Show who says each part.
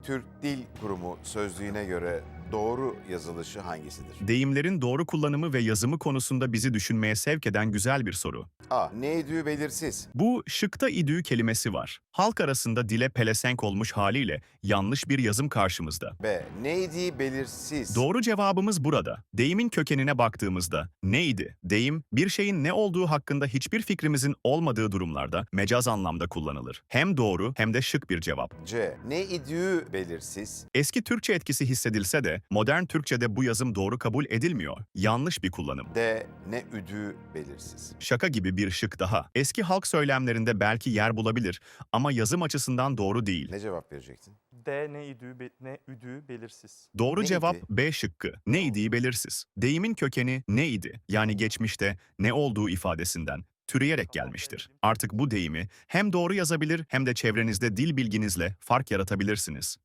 Speaker 1: Türk Dil Kurumu sözlüğüne göre doğru yazılışı hangisidir?
Speaker 2: Deyimlerin doğru kullanımı ve yazımı konusunda bizi düşünmeye sevk eden güzel bir soru.
Speaker 1: A. Neydi belirsiz.
Speaker 2: Bu şıkta idüğü kelimesi var. Halk arasında dile pelesenk olmuş haliyle yanlış bir yazım karşımızda.
Speaker 1: B. Neydi belirsiz.
Speaker 2: Doğru cevabımız burada. Deyimin kökenine baktığımızda neydi? Deyim, bir şeyin ne olduğu hakkında hiçbir fikrimizin olmadığı durumlarda mecaz anlamda kullanılır. Hem doğru hem de şık bir cevap.
Speaker 1: C. Ne idüğü belirsiz.
Speaker 2: Eski Türkçe etkisi hissedilse de modern Türkçe'de bu yazım doğru kabul edilmiyor. Yanlış bir kullanım.
Speaker 1: D. Ne üdüğü belirsiz.
Speaker 2: Şaka gibi bir şık daha. Eski halk söylemlerinde belki yer bulabilir ama yazım açısından doğru değil.
Speaker 1: Ne cevap verecektin?
Speaker 3: D ne üdüğü belirsiz.
Speaker 2: Doğru
Speaker 1: Neydi?
Speaker 2: cevap B şıkkı. Neydi belirsiz. Deyimin kökeni neydi? Yani geçmişte ne olduğu ifadesinden türeyerek gelmiştir. Artık bu deyimi hem doğru yazabilir hem de çevrenizde dil bilginizle fark yaratabilirsiniz.